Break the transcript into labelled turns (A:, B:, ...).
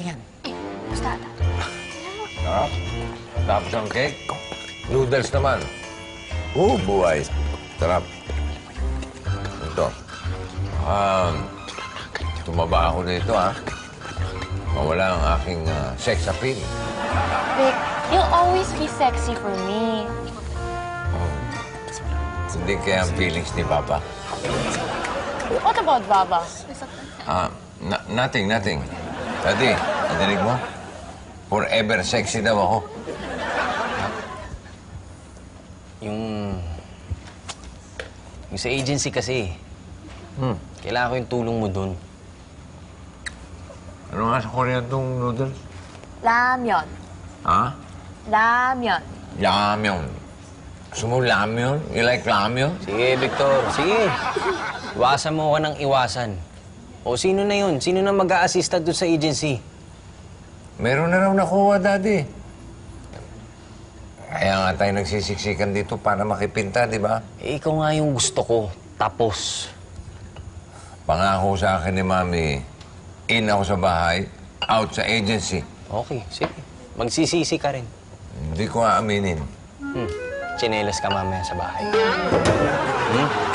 A: Malaki yan.
B: Gusto ata.
C: Sarap. Tapos ang cake, noodles naman. Buhay. Sarap. Ito. Tumaba ako dito, ha? Mawala ang aking sex appeal.
B: Vic, you'll always be sexy for me.
C: Hindi kaya ang feelings ni Papa.
B: What about Baba?
C: Nothing. Daddy, nadinig mo? Forever sexy daw ako.
A: Yung sa agency kasi, kailangan ko yung tulong mo dun.
C: Ano nga sa Korean tong noodles?
B: Ramyeon.
C: Ha?
B: Ramyeon.
C: Ramyeon. Gusto mo ramyeon? You like ramyeon?
A: Sige, Victor. Sige. Iwasan mo ka ng iwasan. O sino na yun? Sino na mag-a-assista doon sa agency?
C: Meron na raw nakuha, Daddy. Kaya nga tayo nagsisiksikan dito para makipinta, di ba?
A: Eh, ikaw nga yung gusto ko. Tapos.
C: Pangako sa akin ni Mami, in ako sa bahay, out sa agency.
A: Okay, sige. Magsisisi ka rin.
C: Hindi ko aaminin.
A: Tsinelas ka mamaya sa bahay.